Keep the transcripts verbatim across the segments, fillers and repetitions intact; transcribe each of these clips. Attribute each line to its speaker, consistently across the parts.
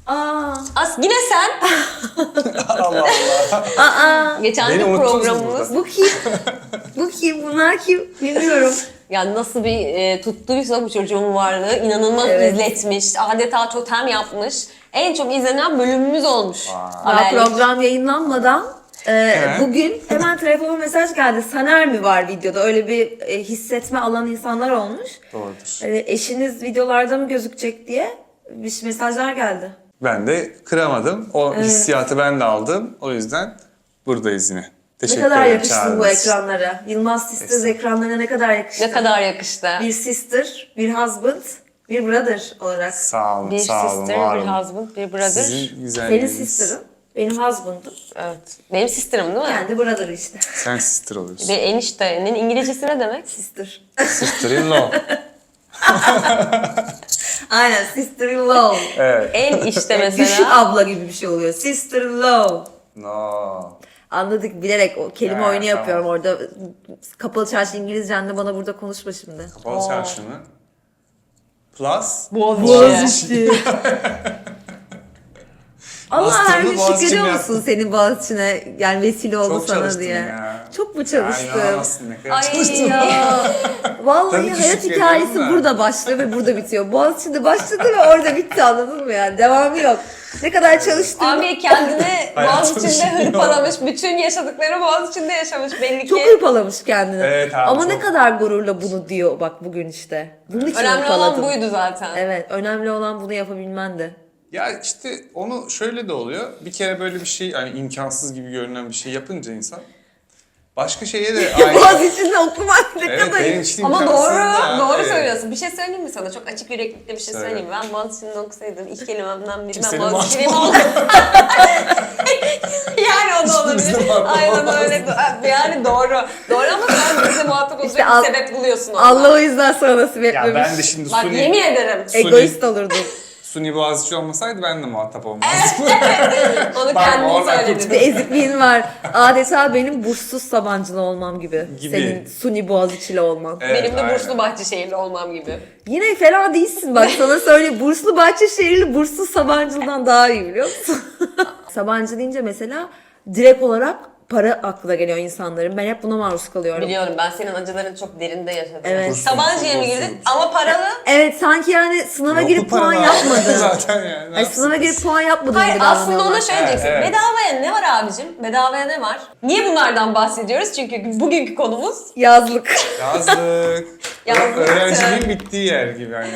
Speaker 1: Aa.
Speaker 2: As yine sen.
Speaker 3: Allah Allah.
Speaker 1: Aa.
Speaker 2: Geçen
Speaker 3: Beni
Speaker 2: bir
Speaker 3: unuttunuz
Speaker 2: programımız.
Speaker 1: Bu kim? Bu kim? Bunlar kim? Bilmiyorum.
Speaker 2: Yani nasıl bir e, tuttuysa bu çocuğun varlığı inanılmaz
Speaker 1: Evet.
Speaker 2: izletmiş. Adeta totem yapmış. En çok izlenen bölümümüz olmuş.
Speaker 1: Daha
Speaker 2: Haberlik.
Speaker 1: program yayınlanmadan e,
Speaker 3: Evet.
Speaker 1: bugün hemen telefona mesaj geldi. Saner mi var videoda? Öyle bir e, hissetme alan insanlar olmuş.
Speaker 3: Doğrudur.
Speaker 1: E, eşiniz videolarda mı gözükecek diye bir mesajlar geldi.
Speaker 3: Ben de kıramadım. O hissiyatı ben de aldım. O yüzden buradayız yine.
Speaker 1: Ne
Speaker 3: Teşekkür
Speaker 1: kadar
Speaker 3: ederim.
Speaker 1: yakıştın bu
Speaker 3: çağırdınız.
Speaker 1: ekranlara. Yılmaz Sisters ekranlarına ne kadar yakıştı.
Speaker 2: Ne kadar yakıştı.
Speaker 1: Bir sister, bir husband, bir brother olarak.
Speaker 3: Sağ olun,
Speaker 2: Bir
Speaker 3: sağ olun,
Speaker 2: sister,
Speaker 3: var
Speaker 2: bir
Speaker 3: olun.
Speaker 2: husband, bir brother.
Speaker 3: Sizin
Speaker 1: Senin
Speaker 3: güzelliğiniz.
Speaker 1: sister'ın, benim husband'ım.
Speaker 2: Evet. Benim sister'ım değil mi?
Speaker 1: Kendi brother'ı işte.
Speaker 3: Sen sister oluyorsun.
Speaker 2: Bir eniştenin İngilizcesi ne demek?
Speaker 1: Sister.
Speaker 3: Sister-in-law.
Speaker 1: Aynen, sister-in-law.
Speaker 3: Evet.
Speaker 2: En işte
Speaker 1: Düşük
Speaker 2: mesela.
Speaker 1: abla gibi bir şey oluyor. Sister-in-law.
Speaker 3: No.
Speaker 1: Anladık, bilerek o kelime
Speaker 3: Ha,
Speaker 1: oyunu
Speaker 3: tamam.
Speaker 1: yapıyorum orada. Kapalı çarşı İngilizcenle bana burada konuşma şimdi.
Speaker 3: Kapalı çarşı mı? Plus.
Speaker 2: Boğaziçi.
Speaker 1: Allah her
Speaker 3: Master'ımı
Speaker 1: gün
Speaker 3: Boğaziçi'nde
Speaker 1: şükrediyor
Speaker 3: yaptım.
Speaker 1: musun senin Boğaziçi'ne yani vesile oldu
Speaker 3: Çok
Speaker 1: sana
Speaker 3: çalıştım
Speaker 1: diye.
Speaker 3: ya.
Speaker 1: Çok mu
Speaker 3: Ya
Speaker 1: çalıştın?
Speaker 3: inanamazsın ne kadar
Speaker 2: Ay
Speaker 3: çalıştım.
Speaker 1: Ya vallahi
Speaker 3: Tabii ki
Speaker 1: hayat
Speaker 3: şükrediyorum
Speaker 1: hikayesi
Speaker 3: da.
Speaker 1: burada başlıyor ve burada bitiyor. Boğaziçi'nde başladı ve orada bitti, anladın mı yani? Devamı yok. Ne kadar çalıştın.
Speaker 2: Abi kendini
Speaker 3: Hayat
Speaker 2: Boğaziçi'nde
Speaker 3: çalışıyor.
Speaker 2: hırpalamış. Bütün yaşadıkları Boğaziçi'nde yaşamış belli ki.
Speaker 1: Çok hırpalamış kendini.
Speaker 3: Evet abi,
Speaker 1: Ama
Speaker 3: çok.
Speaker 1: ne kadar gururla bunu diyor bak bugün işte. Bunun için
Speaker 2: Önemli
Speaker 1: hırpaladım.
Speaker 2: olan buydu zaten.
Speaker 1: Evet, önemli olan bunu yapabilmendi.
Speaker 3: Ya işte onu şöyle de oluyor. Bir kere böyle bir şey, yani imkansız gibi görünen bir şey yapınca insan başka şeye de aynı.
Speaker 1: Boğaziçi'nde okumak ne
Speaker 3: Evet,
Speaker 1: kadar...
Speaker 3: benim için
Speaker 2: Ama
Speaker 3: imkansız
Speaker 2: doğru,
Speaker 3: da,
Speaker 2: doğru
Speaker 3: evet.
Speaker 2: söylüyorsun. Bir şey söyleyeyim mi sana? Çok açık yüreklikle bir şey
Speaker 3: Söyle.
Speaker 2: söyleyeyim mi? Ben Boğaziçi'nde okusaydım ilk kelimemden biri ben
Speaker 3: Kimsenin
Speaker 2: Boğaziçi'liyim
Speaker 3: muhatap
Speaker 2: oldu. Yani o da olabilir.
Speaker 3: Hiçbirimizle muhatap
Speaker 2: Aynen
Speaker 3: olmaz.
Speaker 2: öyle. Yani doğru. Doğru ama sen bize muhatap olacak
Speaker 1: İşte
Speaker 2: bir
Speaker 1: al-
Speaker 2: sebep buluyorsun ondan.
Speaker 1: Allah o yüzden sana nasip
Speaker 3: Ya
Speaker 1: etmemiş.
Speaker 3: ben de şimdi
Speaker 2: Bak
Speaker 3: Suni,
Speaker 2: yemin ederim.
Speaker 1: Egoist olurdun.
Speaker 3: Suni Boğaziçi olmasaydı ben de muhatap olmazdım.
Speaker 2: Onu
Speaker 3: Bak,
Speaker 2: kendin
Speaker 3: oradan
Speaker 2: söyledin.
Speaker 1: Bir ezikliğin var. Adeta benim burssuz Sabancılı olmam gibi.
Speaker 3: Gibi.
Speaker 1: Senin Suni Boğaziçi'li olman.
Speaker 3: Evet,
Speaker 2: Benim de
Speaker 3: aynen.
Speaker 2: Burslu Bahçeşehirli olmam gibi.
Speaker 1: Yine fena değilsin bak, sana söyleyeyim. Burslu Bahçeşehirli burssuz Sabancı'dan daha iyi, biliyor musun? Sabancı deyince mesela direkt olarak para aklına geliyor insanların. Ben hep buna maruz kalıyorum.
Speaker 2: Biliyorum, ben senin acılarını çok derinde yaşadım.
Speaker 1: Evet.
Speaker 2: Sabancı'ya mı girdin?
Speaker 3: Burslu.
Speaker 2: Ama paralı.
Speaker 1: Evet, sanki yani sınava
Speaker 3: Yok
Speaker 1: girip
Speaker 3: bu para
Speaker 1: puan
Speaker 3: var.
Speaker 1: yapmadın.
Speaker 3: Zaten yani. ne
Speaker 1: Ay, sınava
Speaker 3: yapsın?
Speaker 1: girip puan yapmadın
Speaker 2: Hayır,
Speaker 1: gibi
Speaker 2: aslında
Speaker 1: davranıyorlar.
Speaker 2: ona şöyle diyeceksin.
Speaker 3: Evet, evet.
Speaker 2: Bedavaya ne var abicim? Bedavaya ne var? Niye bunlardan bahsediyoruz? Çünkü bugünkü konumuz
Speaker 1: Yazlık.
Speaker 3: Yazlık.
Speaker 2: Yazlık.
Speaker 3: Öğrenciliğin bittiği yer gibi hani.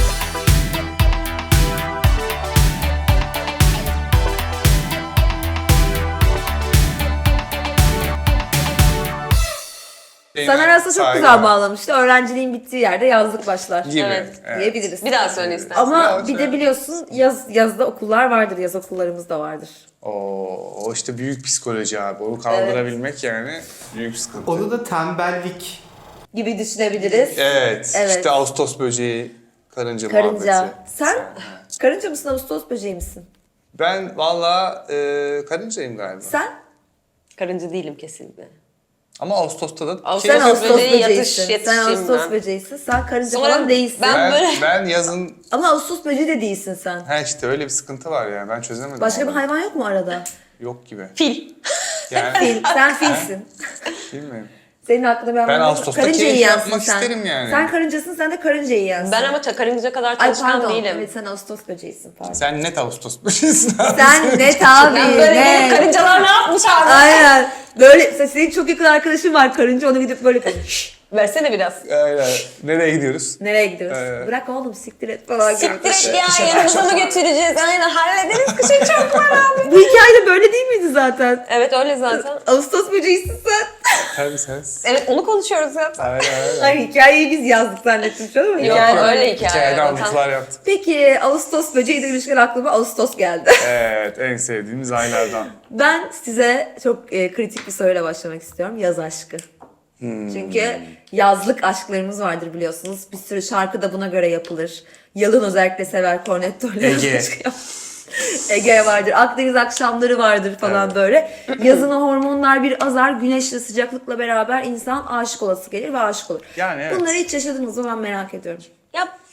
Speaker 1: Saner aslında çok güzel bağlamıştı. Öğrenciliğin bittiği yerde yazlık başlar.
Speaker 3: Gibi.
Speaker 2: Evet,
Speaker 1: diyebiliriz.
Speaker 2: bir daha söyle istersen.
Speaker 1: Ama
Speaker 3: Ya,
Speaker 1: bir de
Speaker 3: şöyle.
Speaker 1: biliyorsun yaz yazda okullar vardır, yaz okullarımız da vardır.
Speaker 3: O, o işte büyük psikoloji abi. Onu kaldırabilmek yani büyük sıkıntı.
Speaker 4: Onu da tembellik.
Speaker 1: Gibi düşünebiliriz.
Speaker 3: Evet,
Speaker 1: Evet.
Speaker 3: işte Ağustos böceği, karınca,
Speaker 1: Karınca.
Speaker 3: muhabbeti.
Speaker 1: Sen karınca mısın, Ağustos böceği misin?
Speaker 3: Ben valla e, karıncayım galiba.
Speaker 1: Sen?
Speaker 2: Karıncı değilim kesinlikle.
Speaker 3: Ama Ağustos'ta da
Speaker 2: Ağustos
Speaker 1: Sen
Speaker 3: keyif-
Speaker 1: Ağustos
Speaker 2: böceği, yatış-
Speaker 1: böceğisin. Sen
Speaker 2: yatışayım
Speaker 1: Ağustos
Speaker 2: ben.
Speaker 1: böceğisin. Sen karınca
Speaker 2: Sonra
Speaker 1: falan değilsin.
Speaker 2: ben-
Speaker 3: ben,
Speaker 2: böyle-
Speaker 3: ben yazın
Speaker 1: Ama Ağustos böceği de değilsin sen.
Speaker 3: ha işte öyle bir sıkıntı var ya, ben çözemedim.
Speaker 1: Başka bir
Speaker 3: onu.
Speaker 1: hayvan yok mu arada?
Speaker 3: Yok gibi.
Speaker 2: Fil.
Speaker 3: Yani
Speaker 1: Fil. Sen filsin.
Speaker 3: bilmiyorum.
Speaker 1: Senin aklında bir hayvan
Speaker 3: Ben
Speaker 1: yok.
Speaker 3: Ağustos'ta
Speaker 1: Karınca
Speaker 3: keyif
Speaker 1: yiyensin
Speaker 3: yapmak
Speaker 1: sen.
Speaker 3: isterim yani.
Speaker 1: Sen karıncasın, sen de karınca yiyensin.
Speaker 2: Ben ama ça- karınca kadar
Speaker 1: Ay
Speaker 2: çalışkan
Speaker 1: pardon.
Speaker 2: değilim.
Speaker 1: Evet, sen Ağustos böceğisin, pardon.
Speaker 3: Sen net Ağustos böceğisin abi.
Speaker 1: Sen net abi,
Speaker 2: Ben böyle gelip
Speaker 1: net.
Speaker 2: karıncalar ne yapmış abi?
Speaker 1: Aynen. Böyle mesela senin çok yakın arkadaşın var karınca, onu gidip böyle "Şşş,
Speaker 2: Versene biraz.
Speaker 3: Aynen. Nereye gidiyoruz?
Speaker 1: nereye gidiyoruz?
Speaker 3: Ee,
Speaker 1: Bırak oğlum, siktir et falan. gibi.
Speaker 2: Siktir et ya, yanımıza mı götüreceğiz? Aynen, hallederiz, kışın çok var abi.
Speaker 1: Bu hikaye de böyle değil miydi zaten?
Speaker 2: Evet, öyle zaten.
Speaker 1: Ağustos böceğisin sen.
Speaker 3: Tabii sen.
Speaker 2: Evet, onu konuşuyoruz zaten.
Speaker 3: Aynen aynen.
Speaker 1: Ay, hikayeyi biz yazdık zannettim şu an ama
Speaker 2: Yok,
Speaker 1: hikaye.
Speaker 2: öyle hikaye.
Speaker 3: Hikayede
Speaker 2: zaten.
Speaker 3: alıntılar yaptık.
Speaker 1: Peki Ağustos böceği demişken aklıma Ağustos geldi.
Speaker 3: Evet, en sevdiğimiz aylardan.
Speaker 1: Ben size çok e, kritik bir soruyla başlamak istiyorum. Yaz aşkı. Çünkü yazlık aşklarımız vardır biliyorsunuz. Bir sürü şarkı da buna göre yapılır. Yalın özellikle sever Cornetto'yla.
Speaker 3: Ege.
Speaker 1: Ege vardır. Akdeniz akşamları vardır falan
Speaker 3: Evet.
Speaker 1: böyle. Yazın o hormonlar bir azar. Güneşle, sıcaklıkla beraber insan aşık olası gelir ve aşık olur.
Speaker 3: Yani evet.
Speaker 1: Bunları hiç yaşadınız mı, ben merak ediyorum.
Speaker 2: Ya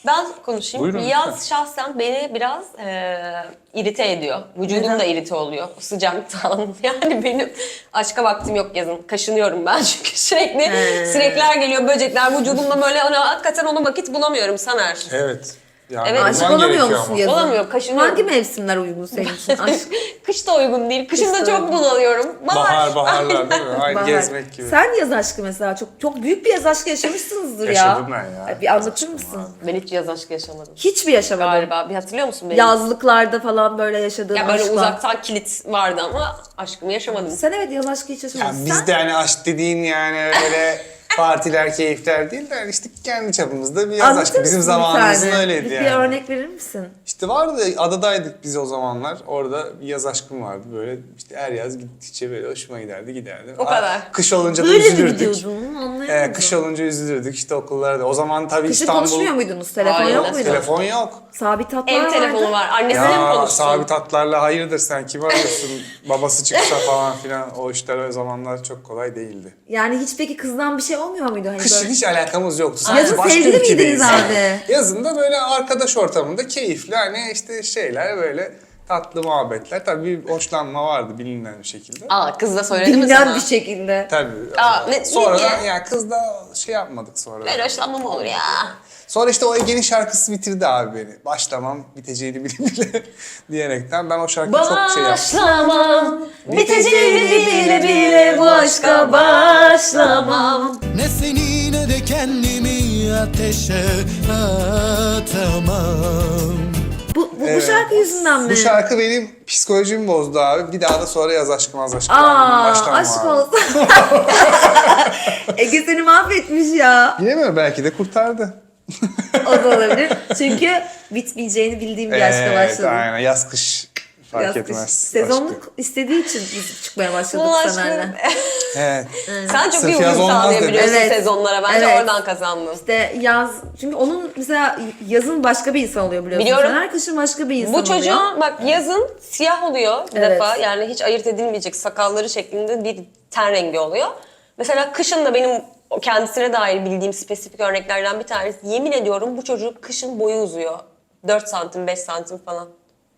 Speaker 2: Ben konuşayım.
Speaker 3: Buyurun,
Speaker 2: Yaz
Speaker 3: lütfen.
Speaker 2: şahsen beni biraz e, irite ediyor. Vücudum
Speaker 1: Neden?
Speaker 2: da irite oluyor o sıcaktan. Yani benim aşka vaktim yok yazın. Kaşınıyorum ben çünkü sürekli
Speaker 1: He.
Speaker 2: sinekler geliyor, böcekler vücudumda böyle ona, hakikaten ona vakit bulamıyorum Saner.
Speaker 3: Evet. Yani
Speaker 2: Evet.
Speaker 1: Aşık
Speaker 3: olman
Speaker 1: olamıyor
Speaker 3: gerekiyor
Speaker 1: musun
Speaker 3: ama.
Speaker 1: yazın?
Speaker 2: Olamıyorum, kaşınıyorum.
Speaker 1: Hangi mevsimler uygun senin için? Aşk.
Speaker 2: Kış da uygun değil. Kışın
Speaker 1: Kış
Speaker 2: da
Speaker 1: da
Speaker 2: çok
Speaker 1: uygun.
Speaker 2: bunalıyorum.
Speaker 3: Bahar, baharlar değil mi? Aynı
Speaker 1: Bahar.
Speaker 3: gezmek gibi.
Speaker 1: Sen yaz aşkı mesela çok çok büyük bir yaz aşkı yaşamışsınızdır ya.
Speaker 3: Yaşadım ben ya.
Speaker 1: Bir anlatır mısın?
Speaker 2: Ben hiç yaz aşkı yaşamadım.
Speaker 1: Hiç mi yaşamadın?
Speaker 2: Galiba. Bir hatırlıyor musun beni?
Speaker 1: Yazlıklarda falan böyle yaşadığın
Speaker 2: Ya böyle
Speaker 1: aşklar.
Speaker 2: uzaktan kilit vardı ama aşkımı yaşamadım.
Speaker 1: Sen evet yaz aşkı hiç yaşamadın.
Speaker 3: Yani
Speaker 1: Sen
Speaker 3: bizde hani aşk dediğin yani öyle partiler, keyifler değil de işte kendi çapımızda bir yaz
Speaker 1: anlatır
Speaker 3: aşkı. Bizim
Speaker 1: mısın bir
Speaker 3: zamanımızın
Speaker 1: tane?
Speaker 3: öyleydi
Speaker 1: bir,
Speaker 3: yani.
Speaker 1: Bir örnek verir misin?
Speaker 3: İşte vardı, adadaydık biz o zamanlar. Orada bir yaz aşkım vardı. Böyle işte her yaz gittikçe böyle hoşuma giderdi, giderdi.
Speaker 2: O
Speaker 3: Aa,
Speaker 2: kadar.
Speaker 3: Kış olunca da
Speaker 1: Böyle mi
Speaker 3: üzülürdük.
Speaker 1: gidiyordun? Anlayamadım.
Speaker 3: Ee, kış olunca üzülürdük işte okullarda. O zaman tabii
Speaker 1: Kışın
Speaker 3: İstanbul...
Speaker 1: konuşmuyor muydunuz? Telefon
Speaker 2: Hayır,
Speaker 1: yok
Speaker 2: nasıl?
Speaker 1: muydu?
Speaker 3: Telefon yok.
Speaker 1: Sabit hatlar
Speaker 2: Ev
Speaker 1: vardı.
Speaker 2: telefonu var. Annesiyle mi
Speaker 3: Ya
Speaker 2: konuşsun?
Speaker 3: sabit hatlarla hayırdır sen kim arıyorsun? Babası çıksa falan filan o işler o zamanlar çok kolay değildi.
Speaker 1: Yani hiç peki kızdan bir şey olmuyor muydu? Hani
Speaker 3: Kışın
Speaker 1: böyle...
Speaker 3: hiç alakamız yoktu.
Speaker 1: Yazın
Speaker 3: Sadece başka
Speaker 1: sevgili
Speaker 3: ülkedeyiz.
Speaker 1: miydiniz abi?
Speaker 3: Yazın da böyle arkadaş ortamında keyifli hani işte şeyler böyle tatlı muhabbetler. Tabii bir hoşlanma vardı bilinen bir şekilde.
Speaker 2: Aa kız da söyledi mi
Speaker 1: Bilinen
Speaker 2: sana?
Speaker 1: bir şekilde.
Speaker 3: Tabii.
Speaker 2: Aa, ne-
Speaker 3: sonra
Speaker 2: niye?
Speaker 3: da ya kız da şey yapmadık sonra.
Speaker 2: Böyle hoşlanma mı olur ya?
Speaker 3: Sonra işte o Ege'nin şarkısı bitirdi abi beni. Başlamam biteceğini bile bile diyerekten ben o şarkıyı çok şey yaptım.
Speaker 2: Başlamam, biteceğini bile bile bu aşka başlamam.
Speaker 4: Ne seni ne de kendimi ateşe atamam.
Speaker 1: Bu, bu, bu
Speaker 3: Evet.
Speaker 1: şarkı yüzünden mi?
Speaker 3: Bu şarkı benim psikolojimi bozdu abi. Bir daha da sonra yaz aşkım az aşkım.
Speaker 1: Aa,
Speaker 3: Başlamam
Speaker 1: aşk
Speaker 3: abi.
Speaker 1: olsun. Ege seni mahvetmiş ya.
Speaker 3: Bilemiyorum belki de kurtardı.
Speaker 1: O da olabilir. Çünkü bitmeyeceğini bildiğim bir aşka
Speaker 3: Evet
Speaker 1: başladım.
Speaker 3: aynen yaz kış fark
Speaker 1: Yaz kış.
Speaker 3: etmez.
Speaker 1: Sezonluk
Speaker 3: Aşkı.
Speaker 1: istediği için biz çıkmaya başladık
Speaker 2: Bu aşkı...
Speaker 1: Saner'le.
Speaker 3: Evet.
Speaker 2: Sen çok
Speaker 3: Sırf
Speaker 2: iyi
Speaker 3: yaz
Speaker 2: uyum
Speaker 3: olmaz
Speaker 2: sağlayabiliyorsun
Speaker 1: dedi. Evet.
Speaker 2: sezonlara. Bence
Speaker 1: Evet.
Speaker 2: oradan kazandın.
Speaker 1: İşte yaz, çünkü onun mesela yazın başka bir insan oluyor biliyorsun.
Speaker 2: Biliyorum.
Speaker 1: Saner kışın başka bir insan
Speaker 2: Bu
Speaker 1: oluyor.
Speaker 2: çocuğun bak yazın siyah oluyor bir
Speaker 1: Evet.
Speaker 2: defa. Yani hiç ayırt edilmeyecek sakalları şeklinde bir ten rengi oluyor. Mesela kışın da benim o kendisine dair bildiğim spesifik örneklerden bir tanesi. Yemin ediyorum bu çocuk kışın boyu uzuyor. dört santim, beş santim falan.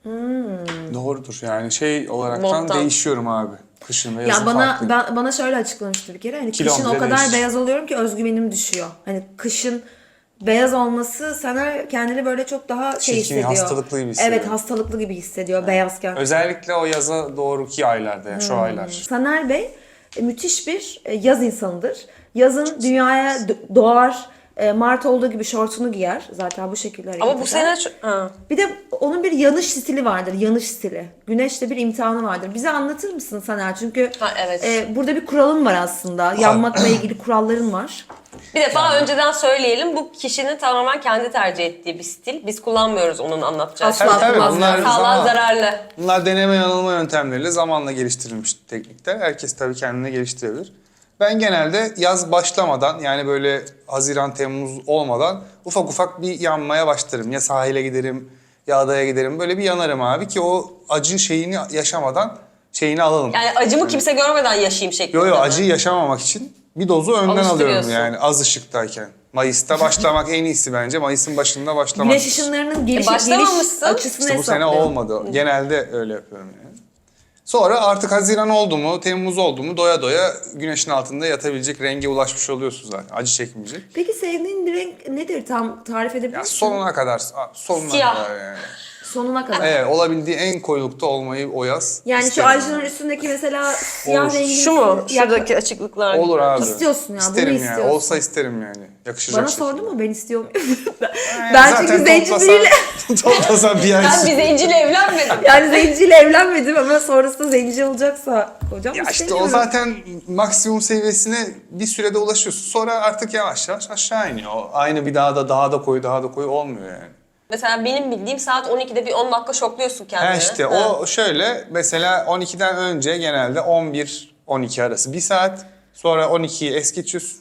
Speaker 3: Doğrudur yani şey olaraktan
Speaker 2: Monttan.
Speaker 3: değişiyorum abi. Kışın ve yazın
Speaker 1: Ya bana
Speaker 3: farklı.
Speaker 1: ben, bana şöyle açıklamıştı bir kere. Hani
Speaker 3: Kilom
Speaker 1: kışın o
Speaker 3: bile
Speaker 1: kadar
Speaker 3: değişir.
Speaker 1: beyaz oluyorum ki özgüvenim düşüyor. Hani kışın beyaz olması sana kendini böyle çok daha şey
Speaker 3: Çirkin,
Speaker 1: hissediyor.
Speaker 3: hastalıklı gibi hissediyor.
Speaker 1: Evet, hastalıklı gibi hissediyor beyazken.
Speaker 3: Özellikle o yaza doğruki aylarda yani şu
Speaker 1: Hmm.
Speaker 3: aylar.
Speaker 1: Saner Bey e, müthiş bir e, yaz insanıdır. Yazın dünyaya d- doğar, e, Mart olduğu gibi şortunu giyer. Zaten bu şekilde hareket
Speaker 2: Ama bu
Speaker 1: eder.
Speaker 2: sene... şu- Ha.
Speaker 1: Bir de onun bir yanış stili vardır, yanış stili. Güneşte bir imtihanı vardır. Bize anlatır mısın Saner? Çünkü
Speaker 2: Ha, evet.
Speaker 1: e, burada bir kuralın var aslında. Yanmakla ilgili kuralların var.
Speaker 2: Bir defa önceden söyleyelim. Bu kişinin tamamen kendi tercih ettiği bir stil. Biz kullanmıyoruz onun anlatacağı
Speaker 1: Asla
Speaker 2: şeyi.
Speaker 3: Tabii, tabii.
Speaker 1: kullanmıyorum.
Speaker 3: Bunlar
Speaker 2: Sağlığa
Speaker 3: zaman-
Speaker 2: zararlı.
Speaker 3: Bunlar deneme yanılma yöntemleriyle zamanla geliştirilmiş teknikler. Herkes tabii kendine geliştirebilir. Ben genelde yaz başlamadan yani böyle Haziran, Temmuz olmadan ufak ufak bir yanmaya başlarım. Ya sahile giderim ya adaya giderim. Böyle bir yanarım abi ki o acı şeyini yaşamadan şeyini alalım.
Speaker 2: Yani acımı kimse görmeden yaşayayım şeklinde.
Speaker 3: Yo yo
Speaker 2: mi?
Speaker 3: acıyı yaşamamak için bir dozu önden alıyorum
Speaker 2: Alıştırıyorsun.
Speaker 3: yani az ışıktayken. Mayıs'ta başlamak en iyisi bence. Mayıs'ın başında başlamak.
Speaker 1: Güneş ışınlarının geliş,
Speaker 2: E,
Speaker 1: geliş
Speaker 2: başlamamışsın.
Speaker 1: açısını
Speaker 3: İşte bu sene
Speaker 1: hesaplıyor.
Speaker 3: olmadı. Genelde öyle yapıyorum yani. Sonra artık Haziran oldu mu, Temmuz oldu mu doya doya güneşin altında yatabilecek renge ulaşmış oluyorsun zaten. Acı çekmeyecek.
Speaker 1: Peki sevdiğin bir renk nedir? Tam tarif edebilir
Speaker 3: Ya
Speaker 1: misin?
Speaker 3: sonuna kadar, sonuna
Speaker 2: Siyah.
Speaker 3: kadar yani.
Speaker 1: Sonuna kadar.
Speaker 3: Evet, olabildiği en koyulukta olmayı o yaz.
Speaker 1: Yani şu
Speaker 3: isterim.
Speaker 1: Ayşe'nin üstündeki mesela siyah
Speaker 3: Olur.
Speaker 1: rengin...
Speaker 2: Şu mu?
Speaker 1: Ya-
Speaker 2: Şuradaki açıklıklar.
Speaker 3: Olur abi.
Speaker 1: İstiyorsun ya, bunu
Speaker 3: İsterim yani.
Speaker 1: istiyorsun.
Speaker 3: Olsa isterim yani. Yakışacak
Speaker 1: Bana
Speaker 3: şekilde.
Speaker 1: sordu mu ben istiyor muyum?
Speaker 3: Yani
Speaker 1: ben
Speaker 3: zaten
Speaker 1: çünkü zenciliyle...
Speaker 3: toplasan- toplasan bir ay.
Speaker 2: Ben bir zenciyle evlenmedim.
Speaker 1: Yani zenciyle evlenmedim ama sonrasında zenci olacaksa hocam
Speaker 3: Ya işte
Speaker 1: istemiyorum.
Speaker 3: o zaten maksimum seviyesine bir sürede ulaşıyorsun. Sonra artık yavaş yavaş aşağı iniyor. O aynı bir daha da daha da koyu daha da koyu olmuyor yani.
Speaker 2: Mesela benim bildiğim saat on ikide bir on dakika şokluyorsun kendini.
Speaker 3: Ha işte
Speaker 2: Ha.
Speaker 3: o şöyle mesela on ikiden önce genelde on bir on iki arası bir saat. Sonra on ikiyi es geçiyorsun.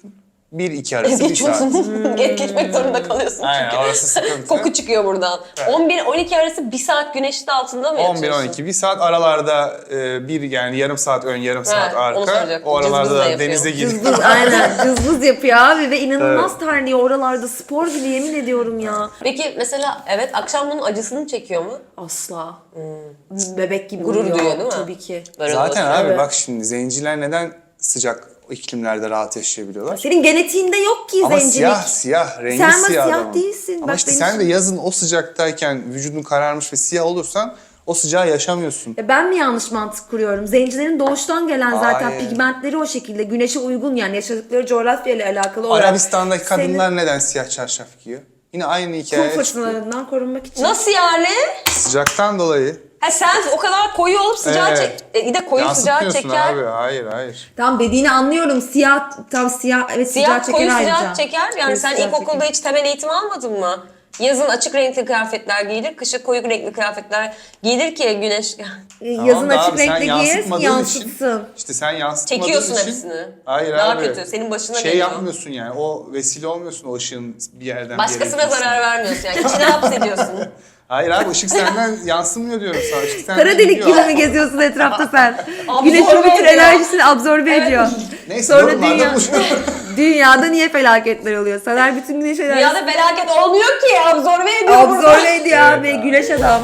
Speaker 3: bir iki arası bir saat.
Speaker 2: Geçiyorsun. Geç geçmek zorunda kalıyorsun
Speaker 3: Aynen
Speaker 2: çünkü.
Speaker 3: orası sıkıntı.
Speaker 2: Koku çıkıyor buradan.
Speaker 3: Evet.
Speaker 2: on bir on iki arası bir saat güneşin altında mı
Speaker 3: on
Speaker 2: yatıyorsun?
Speaker 3: bir on iki bir saat aralarda e, bir yani yarım saat ön yarım saat
Speaker 2: onu
Speaker 3: arka.
Speaker 2: soracaktım.
Speaker 3: O aralarda
Speaker 2: Cızbız da
Speaker 3: da
Speaker 2: yapıyor.
Speaker 3: denize girip
Speaker 1: Cızbız aynen cızbız yapıyor abi ve inanılmaz terliyor oralarda spor gibi yemin ediyorum ya.
Speaker 2: Peki mesela evet akşam bunun acısını çekiyor mu?
Speaker 1: Asla. Bebek gibi
Speaker 2: Gurur
Speaker 1: uyuyor.
Speaker 2: duyuyor değil mi?
Speaker 1: Tabii ki.
Speaker 2: Böyle
Speaker 3: Zaten
Speaker 2: dolaşıyor.
Speaker 3: abi
Speaker 1: Evet.
Speaker 3: bak şimdi zenciler neden sıcak iklimlerde rahat yaşayabiliyorlar?
Speaker 1: Senin genetiğinde yok ki
Speaker 3: Ama
Speaker 1: zencilik.
Speaker 3: siyah siyah rengi
Speaker 1: Sen ama
Speaker 3: siyah,
Speaker 1: siyah
Speaker 3: adamın.
Speaker 1: değilsin.
Speaker 3: Ama
Speaker 1: Bak
Speaker 3: işte
Speaker 1: benim
Speaker 3: sen de
Speaker 1: için-
Speaker 3: yazın o sıcaktayken vücudun kararmış ve siyah olursan o sıcağı yaşamıyorsun.
Speaker 1: Ya ben mi yanlış mantık kuruyorum? Zencilerin doğuştan gelen zaten
Speaker 3: Hayır.
Speaker 1: pigmentleri o şekilde. Güneşe uygun yani yaşadıkları coğrafyayla alakalı olarak.
Speaker 3: Arabistan'daki
Speaker 1: senin
Speaker 3: kadınlar neden siyah çarşaf giyiyor? Yine aynı
Speaker 1: kum
Speaker 3: hikaye.
Speaker 1: fırtınalarından korunmak için.
Speaker 2: Nasıl yani?
Speaker 3: Sıcaktan dolayı.
Speaker 2: Ha sen o kadar koyu olup sıcağı
Speaker 3: Evet.
Speaker 2: çek... E, bir de koyu sıcağı
Speaker 3: Yansıtmıyorsun
Speaker 2: çeker.
Speaker 3: abi. Hayır hayır.
Speaker 1: Tam dediğini anlıyorum. Siyah, tam siyah, evet sıcağı
Speaker 2: Siyah
Speaker 1: çeker
Speaker 2: koyu
Speaker 1: ayrıca.
Speaker 2: sıcağı çeker. Yani
Speaker 1: Koyu
Speaker 2: sen
Speaker 1: sıcağı
Speaker 2: ilkokulda
Speaker 1: çeker.
Speaker 2: hiç temel eğitim almadın mı? Yazın açık renkli kıyafetler giyilir, kışın koyu renkli kıyafetler giyilir ki güneş...
Speaker 1: Yazın
Speaker 3: Tamam da
Speaker 1: açık
Speaker 3: abi, sen
Speaker 1: renkli giyer,
Speaker 3: yansıtmadığın
Speaker 1: yansıtsın.
Speaker 3: Için, işte sen yansıtmadığın
Speaker 2: Çekiyorsun
Speaker 3: için.
Speaker 2: hepsini.
Speaker 3: Hayır
Speaker 2: Daha
Speaker 3: abi.
Speaker 2: kötü, senin başına
Speaker 3: Şey
Speaker 2: geliyor.
Speaker 3: yapmıyorsun yani. O vesile olmuyorsun o ışığın bir yerden bir yere
Speaker 2: Başkasına
Speaker 3: gitmesine.
Speaker 2: zarar vermiyorsun yani. İçine hapsediyorsun.
Speaker 3: Hayır abi ışık senden yansımıyor diyorum sana. Işık senden
Speaker 1: Kara delik
Speaker 3: gidiyor.
Speaker 1: gibi mi geziyorsun etrafta sen?
Speaker 2: Absorbe
Speaker 1: Güneşin bütün
Speaker 2: ediyor.
Speaker 1: enerjisini absorbe ediyor.
Speaker 3: Neyse
Speaker 1: Sonra
Speaker 3: yorumlarda
Speaker 1: dünya,
Speaker 3: buluşalım.
Speaker 1: dünyada niye felaketler oluyor? Saner bütün güneş enerjisini
Speaker 2: Dünyada felaket olmuyor ki. Absorbe ediyor burada.
Speaker 1: absorbe ediyor
Speaker 3: Evet
Speaker 1: abi.
Speaker 3: abi.
Speaker 1: Güneş adam.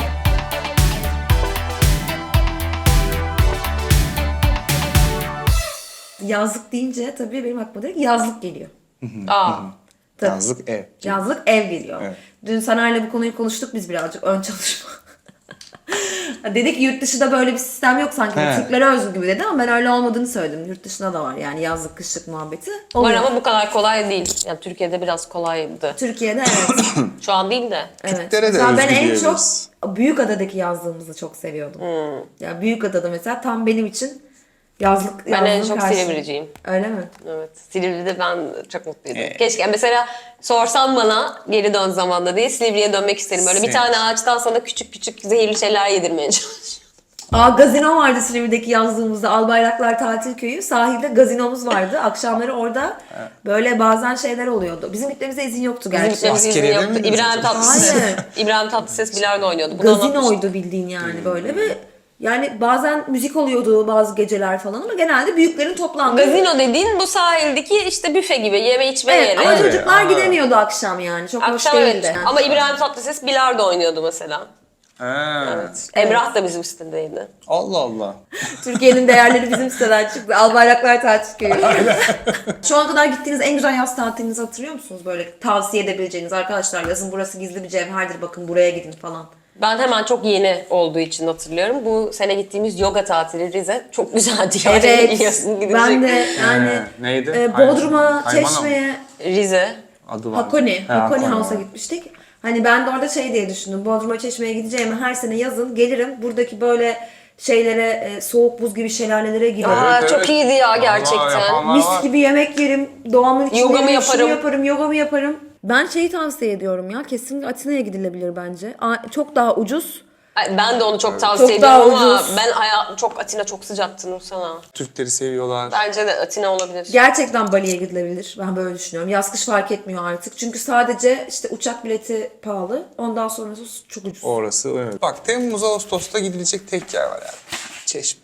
Speaker 1: Yazlık deyince tabii benim aklıma direkt yazlık geliyor.
Speaker 2: Aa.
Speaker 1: Tabii.
Speaker 3: Yazlık ev.
Speaker 1: Yazlık ev geliyor.
Speaker 3: Evet.
Speaker 1: Dün Saner'le bu konuyu konuştuk biz birazcık ön çalışma. Dedik ki yurt dışında böyle bir sistem yok sanki.
Speaker 3: He.
Speaker 1: Türklere özgü gibi dedi ama ben öyle olmadığını söyledim. Yurt dışında da var yani yazlık kışlık muhabbeti.
Speaker 2: Var
Speaker 1: Oluyor.
Speaker 2: ama bu kadar kolay değil. Yani Türkiye'de biraz kolaydı.
Speaker 1: Türkiye'de evet.
Speaker 2: Şu an değil de.
Speaker 1: evet.
Speaker 3: Türklere de
Speaker 1: Mesela ben
Speaker 3: özgü
Speaker 1: en çok
Speaker 3: diyebiliriz.
Speaker 1: Büyükada'daki yazlığımızı çok seviyordum.
Speaker 2: Hmm.
Speaker 1: Ya Büyükada'da mesela tam benim için yazlık
Speaker 2: Ben en
Speaker 1: yazlığın
Speaker 2: çok
Speaker 1: karşı-
Speaker 2: Silivri'ciyim.
Speaker 1: Öyle mi?
Speaker 2: Evet. Silivri'de ben çok mutluydum.
Speaker 3: Evet.
Speaker 2: Keşke mesela sorsan bana geri dön zamanda diye Silivri'ye dönmek isterim. Böyle bir
Speaker 3: Sil-
Speaker 2: tane ağaçtan sana küçük küçük zehirli şeyler yedirmeye çalışıyorum.
Speaker 1: Aa gazino vardı Silivri'deki yazlığımızda. Albayraklar Tatil Köyü. Sahilde gazinomuz vardı. Akşamları orada böyle bazen şeyler oluyordu. Bizim gitmemize izin yoktu
Speaker 2: Bizim
Speaker 1: gerçi.
Speaker 2: gitmemize izin
Speaker 3: Askeriyede
Speaker 2: yoktu.
Speaker 3: miydiniz
Speaker 2: İbrahim
Speaker 3: acaba?
Speaker 2: Tatlıses.
Speaker 1: Hayır.
Speaker 2: İbrahim Tatlıses bilardo oynuyordu. Bunu anlatmıştım.
Speaker 1: Gazinoydu bildiğin yani böyle ve yani bazen müzik oluyordu bazı geceler falan ama genelde büyüklerin toplandığı.
Speaker 2: Gazino dediğin bu sahildeki işte büfe gibi yeme içme
Speaker 1: Evet
Speaker 2: yeri.
Speaker 1: ama
Speaker 3: Evet,
Speaker 1: çocuklar
Speaker 3: aa.
Speaker 1: gidemiyordu akşam yani. Çok hoş
Speaker 2: Akşam evet.
Speaker 1: değildi. Yani.
Speaker 2: Ama İbrahim Tatlıses bilardo oynuyordu mesela.
Speaker 3: Ha.
Speaker 2: Evet. Emrah da bizim sitedeydi.
Speaker 3: Allah Allah.
Speaker 1: Türkiye'nin değerleri bizim siteden çıktı. Albayraklar Tatil Köyü. Şu ana kadar gittiğiniz en güzel yaz tatilinizi hatırlıyor musunuz? Böyle tavsiye edebileceğiniz arkadaşlar yazın burası gizli bir cevherdir bakın buraya gidin falan.
Speaker 2: Ben hemen çok yeni olduğu için hatırlıyorum. Bu sene gittiğimiz yoga tatili Rize çok güzeldi. Yani
Speaker 1: Evet.
Speaker 2: biliyorsun, gidecek.
Speaker 1: Ben de yani
Speaker 3: Ee, neydi?
Speaker 1: e,
Speaker 3: Hayman-
Speaker 1: Bodrum'a,
Speaker 3: Haymana mı?
Speaker 1: Çeşme'ye,
Speaker 2: Rize.
Speaker 3: Adı var.
Speaker 1: Hakoni,
Speaker 3: Ha,
Speaker 1: Hakoni
Speaker 3: Hakoni
Speaker 1: House'a
Speaker 3: var.
Speaker 1: gitmiştik. Hani ben de orada şey diye düşündüm. Bodrum'a, Çeşme'ye gideceğime her sene yazın gelirim. Buradaki böyle şeylere, e, soğuk buz gibi şelalelere girerim.
Speaker 2: Aa,
Speaker 3: Evet,
Speaker 2: çok
Speaker 3: evet.
Speaker 2: iyiydi ya
Speaker 3: Vallahi
Speaker 2: gerçekten.
Speaker 3: yapanlar
Speaker 1: Mis
Speaker 3: var.
Speaker 1: gibi yemek yerim. Doğanın içinde
Speaker 2: Yogamı
Speaker 1: yürüyüşümü
Speaker 2: yaparım.
Speaker 1: yaparım, yogamı yaparım. Ben şeyi tavsiye ediyorum ya. Kesinlikle Atina'ya gidilebilir bence. Aa, çok daha ucuz.
Speaker 2: Ay, Ben de onu çok tavsiye
Speaker 1: Çok
Speaker 2: ediyorum
Speaker 1: daha
Speaker 2: ama
Speaker 1: ucuz.
Speaker 2: ben hayatım çok Atina çok sıcaktı Nursana.
Speaker 3: Türkleri seviyorlar.
Speaker 2: Bence de Atina olabilir.
Speaker 1: Gerçekten Bali'ye gidilebilir. Ben böyle düşünüyorum. Yaz kış fark etmiyor artık. Çünkü sadece işte uçak bileti pahalı. Ondan sonrası çok ucuz.
Speaker 3: Orası evet. Bak Temmuz Ağustos'ta gidilecek tek yer var yani. Çeşme.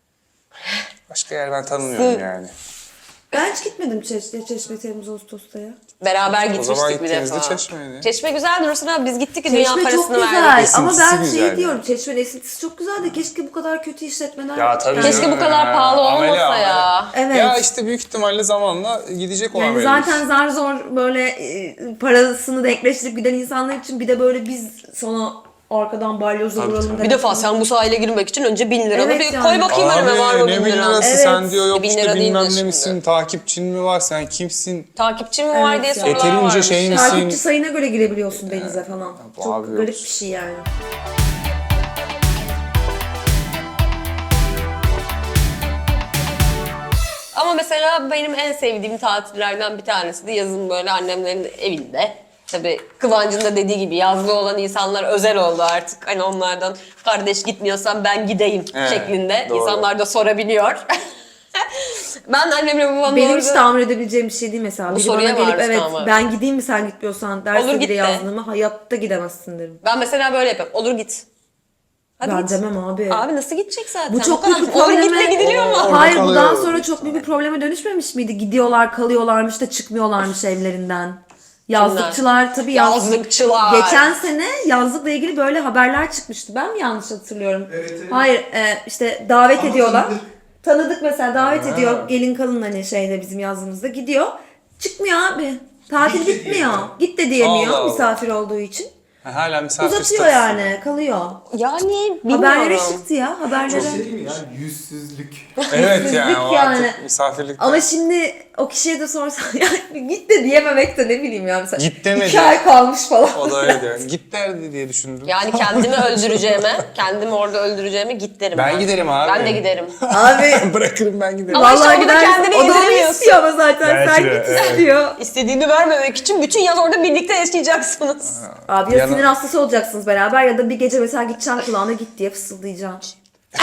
Speaker 3: Başka yer ben tanımıyorum yani.
Speaker 1: Ben hiç gitmedim Çeşme, Çeşme Temmuz Ağustos'ta ya.
Speaker 2: Beraber
Speaker 3: zaman
Speaker 2: gitmiştik bir
Speaker 3: gittiğinizde
Speaker 2: defa.
Speaker 3: Çeşme'ydi.
Speaker 2: Çeşme güzeldi Nursana. Biz gittik dünya
Speaker 1: Çeşme çok
Speaker 2: parasını
Speaker 1: güzel
Speaker 2: verdik.
Speaker 1: ama
Speaker 3: Esintisi
Speaker 1: ben şey
Speaker 3: güzel
Speaker 1: diyorum Çeşme'nin esintisi çok güzeldi. Keşke bu kadar kötü işletmeler.
Speaker 3: Ya tabii
Speaker 1: Yani-
Speaker 2: Keşke bu kadar pahalı
Speaker 3: Amele,
Speaker 2: olmasa
Speaker 3: amele.
Speaker 2: ya.
Speaker 1: Evet.
Speaker 3: Ya işte büyük ihtimalle zamanla gidecek olan
Speaker 1: Yani
Speaker 3: belli.
Speaker 1: zaten zar zor böyle e, parasını denkleştirip giden insanlar için bir de böyle biz sana arkadan balyozla
Speaker 3: Tabii,
Speaker 1: vuralım
Speaker 3: tabii.
Speaker 1: demek.
Speaker 2: Bir defa sen bu sahile girmek için önce bin lira.
Speaker 1: Evet
Speaker 2: bir
Speaker 1: yani.
Speaker 2: koy bakayım önüme var mı
Speaker 3: ne
Speaker 2: bin
Speaker 3: bin
Speaker 2: lira?
Speaker 3: lirası
Speaker 1: Evet.
Speaker 3: sen diyor yok
Speaker 2: Bin
Speaker 3: işte
Speaker 2: lira
Speaker 3: bilmem
Speaker 2: değildir
Speaker 3: ne
Speaker 2: şimdi.
Speaker 3: misin, takipçin mi var, sen kimsin?
Speaker 2: Takipçi mi var
Speaker 1: Evet
Speaker 2: diye
Speaker 1: ya.
Speaker 2: sorular
Speaker 3: Yeterince
Speaker 2: varmış.
Speaker 3: şey mi?
Speaker 1: Takipçi
Speaker 3: Sin-
Speaker 1: sayına göre girebiliyorsun denize falan.
Speaker 3: bu
Speaker 1: Çok
Speaker 3: abi yok.
Speaker 1: garip bir şey yani.
Speaker 2: Ama mesela benim en sevdiğim tatillerden bir tanesi de yazın böyle annemlerin evinde. Tabii Kıvancı'nın da dediği gibi yazlı olan insanlar özel oldu artık. Hani onlardan kardeş gitmiyorsan ben gideyim
Speaker 3: Evet,
Speaker 2: şeklinde.
Speaker 3: doğru.
Speaker 2: İnsanlar da sorabiliyor. Ben annemle babamla
Speaker 1: Benim
Speaker 2: orada...
Speaker 1: hiç tahammül edebileceğim bir şey değil mesela.
Speaker 2: Bu
Speaker 1: Biri
Speaker 2: soruya
Speaker 1: bana gelip
Speaker 2: varmıştı
Speaker 1: evet
Speaker 2: ama.
Speaker 1: ben gideyim mi sen gitmiyorsan derse
Speaker 2: Olur, git
Speaker 1: biri
Speaker 2: de.
Speaker 1: yazdığımı hayatta gidemezsin derim.
Speaker 2: Ben mesela böyle yapıyorum. Olur git. Hadi
Speaker 1: Ben
Speaker 2: git.
Speaker 1: demem abi.
Speaker 2: Abi nasıl gidecek zaten?
Speaker 1: Bu çok
Speaker 2: kadar.
Speaker 1: büyük bir
Speaker 2: Olur
Speaker 1: probleme...
Speaker 2: gitme gidiliyor mu?
Speaker 3: Orada
Speaker 1: Hayır
Speaker 3: kalıyor.
Speaker 1: bundan sonra çok büyük bir probleme dönüşmemiş miydi? Gidiyorlar kalıyorlarmış da çıkmıyorlarmış evlerinden. Yazlıkçılar tabii yaz-
Speaker 2: Yazlıkçılar.
Speaker 1: Geçen sene yazlıkla ilgili böyle haberler çıkmıştı. Ben mi yanlış hatırlıyorum?
Speaker 5: Evet, evet.
Speaker 1: Hayır e, işte davet
Speaker 5: Ama
Speaker 1: ediyorlar.
Speaker 5: tanıdık.
Speaker 1: Tanıdık mesela davet
Speaker 3: Ha.
Speaker 1: ediyor gelin kalın hani şeyde bizim yazlığımızda gidiyor. Çıkmıyor abi. Tatil
Speaker 5: Git de
Speaker 1: bitmiyor.
Speaker 5: diyemiyor.
Speaker 1: Git de diyemiyor
Speaker 3: Allah Allah.
Speaker 1: misafir olduğu için.
Speaker 3: Ha, hala misafir
Speaker 1: Uzatıyor
Speaker 3: statüsü.
Speaker 1: yani kalıyor.
Speaker 2: Yani bilmiyorum.
Speaker 1: Haberlere çıktı ya
Speaker 5: Çok
Speaker 1: haberlere.
Speaker 5: şey değil mi ya? Yüzsüzlük.
Speaker 3: Evet yani o
Speaker 1: yani.
Speaker 3: artık misafirlik.
Speaker 1: Ama şimdi o kişiye de sorsan yani git de diyememek de ne bileyim ya mesela.
Speaker 3: Git demedi.
Speaker 1: İki ay kalmış falan.
Speaker 3: O da öyle diyor. Git derdi diye düşündüm.
Speaker 2: Yani kendimi öldüreceğime, kendimi orada öldüreceğime git derim.
Speaker 3: Ben giderim abi.
Speaker 2: Ben de giderim.
Speaker 1: Abi
Speaker 3: Bırakırım ben giderim.
Speaker 2: Ama işte
Speaker 1: vallahi
Speaker 2: orada
Speaker 1: gidersin.
Speaker 2: kendini
Speaker 1: O da onu
Speaker 2: yediremiyorsun.
Speaker 1: istiyor ama zaten
Speaker 3: Belki
Speaker 1: sen
Speaker 3: de,
Speaker 1: git
Speaker 3: evet.
Speaker 1: istiyor.
Speaker 2: İstediğimi vermemek için bütün yaz orada birlikte yaşayacaksınız.
Speaker 1: Abi ya
Speaker 3: Yana-
Speaker 1: sinir hastası olacaksınız beraber ya da bir gece mesela gideceksin kulağına git diye fısıldayacaksın.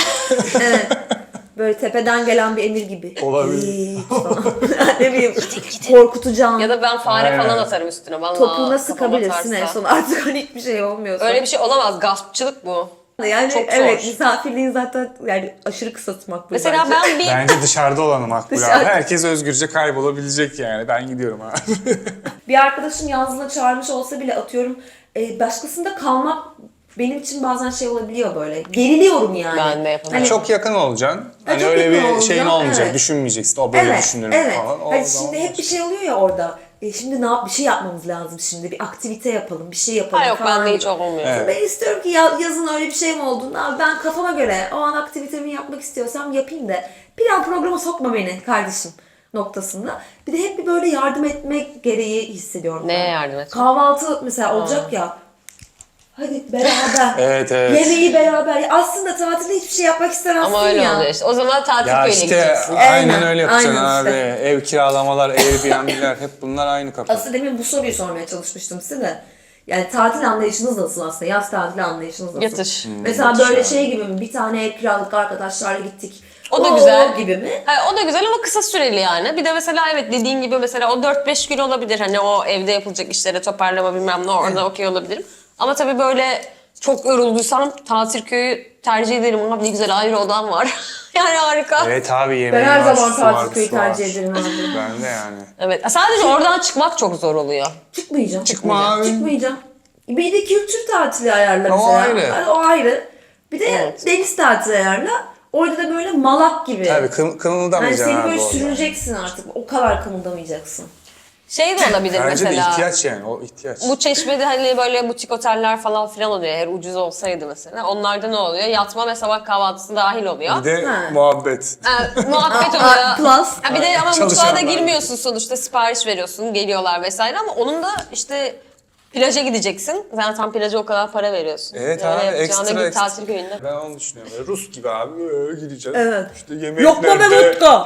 Speaker 1: Evet. Böyle tepeden gelen bir emir gibi.
Speaker 3: Olabilir.
Speaker 1: Git falan. Ne bileyim korkutacaksın.
Speaker 2: Ya da ben fare
Speaker 3: Aynen.
Speaker 2: falan atarım üstüne. Vallahi
Speaker 1: topuğuna
Speaker 2: kafama
Speaker 1: sıkabilirsin en
Speaker 2: atarsa.
Speaker 1: son artık hani hiçbir şey olmuyorsa.
Speaker 2: Öyle bir şey olamaz. Gaspçılık bu.
Speaker 1: Yani
Speaker 2: Çok zor.
Speaker 1: evet misafirliğin zaten yani aşırı kısa tutmak bu
Speaker 2: Mesela
Speaker 1: bence.
Speaker 2: ben bir...
Speaker 3: Bence dışarıda olanı makbul abi.
Speaker 1: Dışarı-
Speaker 3: Herkes özgürce kaybolabilecek yani. Ben gidiyorum abi.
Speaker 1: Bir arkadaşım yazlığına çağırmış olsa bile atıyorum e, başkasında kalmak benim için bazen şey olabiliyor böyle. Geriliyorum yani.
Speaker 2: Ben de yapamam.
Speaker 1: Hani,
Speaker 3: Çok yakın olacaksın. Hani
Speaker 1: çok
Speaker 3: öyle
Speaker 1: yakın
Speaker 3: bir şeyin
Speaker 1: olacaksın,
Speaker 3: olmayacak.
Speaker 1: evet.
Speaker 3: Düşünmeyeceksin. O böyle
Speaker 1: evet,
Speaker 3: düşünür
Speaker 1: evet.
Speaker 3: falan. O
Speaker 1: Hani
Speaker 3: zaman
Speaker 1: şimdi hep bir şey oluyor ya orada. E, şimdi ne yap bir şey yapmamız lazım şimdi. Bir aktivite yapalım, bir şey yapalım
Speaker 2: Ha yok
Speaker 1: falan.
Speaker 2: bende hiç
Speaker 1: gibi.
Speaker 2: olmuyor.
Speaker 3: Evet.
Speaker 1: Ben istiyorum ki ya- yazın öyle bir şey mi olduğunda abi ben kafama göre o an aktivitemi yapmak istiyorsam yapayım da plan programa sokma beni kardeşim noktasında. Bir de hep bir böyle yardım etmek gereği hissediyorum.
Speaker 2: Neye
Speaker 1: ben.
Speaker 2: yardım etmek?
Speaker 1: Kahvaltı mesela olacak ya. Hadi beraber.
Speaker 3: Evet, evet.
Speaker 1: Yemeği beraber. Aslında tatilde hiçbir şey yapmak istemezsin
Speaker 2: Ama öyle
Speaker 1: ya.
Speaker 2: oluyor işte. O zaman tatil
Speaker 3: Ya
Speaker 2: köyüne
Speaker 3: işte
Speaker 2: gideceksin.
Speaker 3: aynen
Speaker 1: Aynen,
Speaker 3: öyle yapacaksın
Speaker 1: aynen
Speaker 3: abi.
Speaker 1: işte.
Speaker 3: Ev kiralamalar, Airbnb'ler hep bunlar aynı kapı.
Speaker 1: Aslında demin bu soruyu sormaya çalışmıştım size de. Yani tatil anlayışınız nasıl aslında? Yaz tatili anlayışınız nasıl?
Speaker 2: Yatış.
Speaker 1: Mesela
Speaker 3: yatış
Speaker 1: böyle
Speaker 3: abi.
Speaker 1: şey gibi mi? Bir tane ev kiraladık arkadaşlarla gittik.
Speaker 2: O da
Speaker 1: Oo
Speaker 2: güzel.
Speaker 1: gibi mi?
Speaker 2: Ha, o da güzel ama kısa süreli yani. Bir de mesela evet dediğin gibi mesela o dört beş gün olabilir. Hani o evde yapılacak işlere toparlama bilmem ne orada okey olabilirim. Ama tabii böyle çok yorulduysam tatil köyü tercih ederim. Ama ne güzel ayrı odam var. Yani harika. Evet.
Speaker 3: Evet abi yemeği
Speaker 1: Ben her
Speaker 3: var,
Speaker 1: zaman
Speaker 3: su var,
Speaker 1: tatil köyü
Speaker 3: su var.
Speaker 1: tercih ederim abi.
Speaker 3: Ben de yani.
Speaker 2: Sadece oradan çıkmak çok zor oluyor.
Speaker 1: Çıkmayacağım.
Speaker 3: Çıkma abi.
Speaker 1: Çıkmayacağım. Bir de kültür tatili ayarla
Speaker 3: O
Speaker 1: mesela.
Speaker 3: ayrı.
Speaker 1: O ayrı. Bir de
Speaker 2: Evet.
Speaker 1: deniz tatili ayarla. Orada da böyle malak gibi.
Speaker 3: Tabii kım,
Speaker 1: Yani
Speaker 3: kımıldamayacaksın
Speaker 1: seni
Speaker 3: abi
Speaker 1: böyle
Speaker 3: orada.
Speaker 1: sürüneceksin artık. O kadar kımıldamayacaksın.
Speaker 2: Şey de olabilir
Speaker 3: Bence
Speaker 2: mesela.
Speaker 3: de ihtiyaç yani o ihtiyaç.
Speaker 2: Bu Çeşme'de hani böyle butik oteller falan filan oluyor. Eğer ucuz olsaydı mesela. Onlarda ne oluyor? Yatma ve sabah kahvaltısı dahil oluyor.
Speaker 3: Bir de
Speaker 1: Ha.
Speaker 3: muhabbet.
Speaker 2: Ha, muhabbet
Speaker 1: Aa,
Speaker 2: oluyor.
Speaker 1: plus.
Speaker 2: Ha, bir de ama mutfağa da
Speaker 3: Çalışanlar.
Speaker 2: girmiyorsun sonuçta. Sipariş veriyorsun, geliyorlar vesaire ama onun da işte plaja gideceksin. Zaten plaja o kadar para veriyorsun.
Speaker 3: Evet
Speaker 2: Yani
Speaker 3: abi
Speaker 2: yapacağına
Speaker 3: ekstra
Speaker 2: git
Speaker 3: ekstra.
Speaker 2: tatil köyünde.
Speaker 3: Ben onu düşünüyorum. Böyle Rus gibi abi böyle gideceğiz.
Speaker 1: Evet.
Speaker 3: İşte yemek
Speaker 1: Yok mu be
Speaker 3: nerede?
Speaker 1: vodka?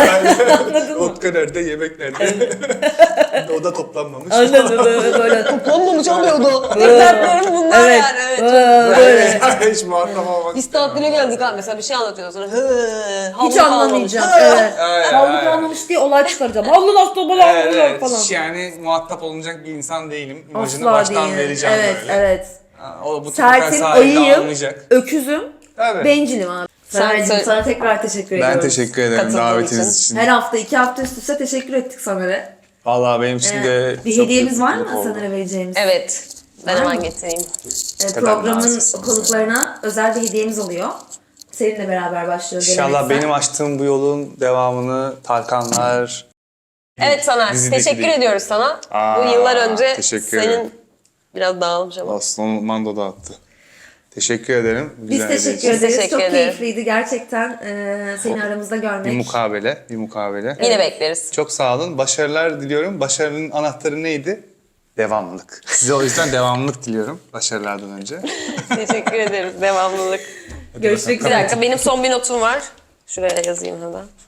Speaker 3: Vodka nerede? Yemek nerede? o da toplanmamış.
Speaker 1: Anladın mı? Böyle.
Speaker 2: Olmamış oluyordu. Tek dertlerim bunlar
Speaker 1: Evet.
Speaker 2: yani. Evet.
Speaker 1: Aa, böyle.
Speaker 3: Hiç muhatap olmak
Speaker 2: Biz tatile geldik abi mesela bir şey anlatıyorsun sonra hı, havlu
Speaker 1: Hiç
Speaker 2: kalmamış.
Speaker 1: anlamayacağım.
Speaker 2: Hı.
Speaker 1: Evet.
Speaker 3: Evet,
Speaker 1: Havlu
Speaker 3: evet.
Speaker 1: kalmamış diye olay çıkaracağım. Havlu nasıl bana
Speaker 3: Evet,
Speaker 1: havlu
Speaker 3: evet.
Speaker 1: falan.
Speaker 3: Hiç yani muhatap olunacak bir insan değilim. İmajını
Speaker 1: Asla
Speaker 3: baştan
Speaker 1: değil.
Speaker 3: vereceğim
Speaker 1: Evet,
Speaker 3: böyle.
Speaker 1: evet.
Speaker 3: Ha, o bu sefer
Speaker 1: Sertim,
Speaker 3: sahilde
Speaker 1: ayıyım,
Speaker 3: anlayacak.
Speaker 1: öküzüm,
Speaker 3: Tabii.
Speaker 1: bencilim abi.
Speaker 2: Sen
Speaker 1: Seracığım,
Speaker 2: söyle-
Speaker 1: sana tekrar teşekkür ediyorum.
Speaker 3: Ben teşekkür ederim
Speaker 2: Katıldığın
Speaker 3: davetiniz
Speaker 2: için.
Speaker 3: için.
Speaker 1: Her hafta, iki hafta üst üste teşekkür ettik Samer'e.
Speaker 3: Vallahi benim için de
Speaker 1: Ee, bir
Speaker 3: çok
Speaker 1: hediyemiz
Speaker 3: büyük
Speaker 1: var
Speaker 3: mutluluk
Speaker 1: mı
Speaker 3: oldu.
Speaker 1: Samer'e vereceğimiz?
Speaker 2: Evet. Ben
Speaker 1: Var
Speaker 2: hemen
Speaker 1: mı?
Speaker 2: getireyim.
Speaker 1: Ee,
Speaker 3: kadar
Speaker 1: programın
Speaker 3: naziksiniz
Speaker 1: konuklarına özel bir hediyemiz oluyor. Seninle beraber başlıyor
Speaker 3: İnşallah
Speaker 1: geleneksel.
Speaker 3: benim açtığım bu yolun devamını Tarkanlar...
Speaker 2: Evet Soner,
Speaker 3: Dizideki
Speaker 2: teşekkür
Speaker 3: değil.
Speaker 2: ediyoruz sana.
Speaker 3: Aa,
Speaker 2: Bu yıllar önce
Speaker 3: teşekkür
Speaker 2: senin
Speaker 3: ederim.
Speaker 2: biraz dağılmış ama.
Speaker 3: Aslan Mando da attı. Teşekkür ederim.
Speaker 1: Biz
Speaker 3: Güzel hediye
Speaker 1: teşekkür
Speaker 3: için.
Speaker 1: ederiz.
Speaker 2: Teşekkür
Speaker 1: Çok
Speaker 2: ederim.
Speaker 1: keyifliydi gerçekten e, seni aramızda
Speaker 3: Bir
Speaker 1: görmek.
Speaker 3: mukabele, bir mukabele.
Speaker 2: Yine bekleriz.
Speaker 3: Çok sağ olun. Başarılar diliyorum. Başarının anahtarı neydi? Devamlılık. Size o yüzden devamlılık diliyorum başarılardan önce.
Speaker 2: Teşekkür ederiz. Devamlılık.
Speaker 1: Görüşmek
Speaker 2: Bir
Speaker 1: üzere.
Speaker 2: dakika benim son bir notum var. Şuraya yazayım hemen.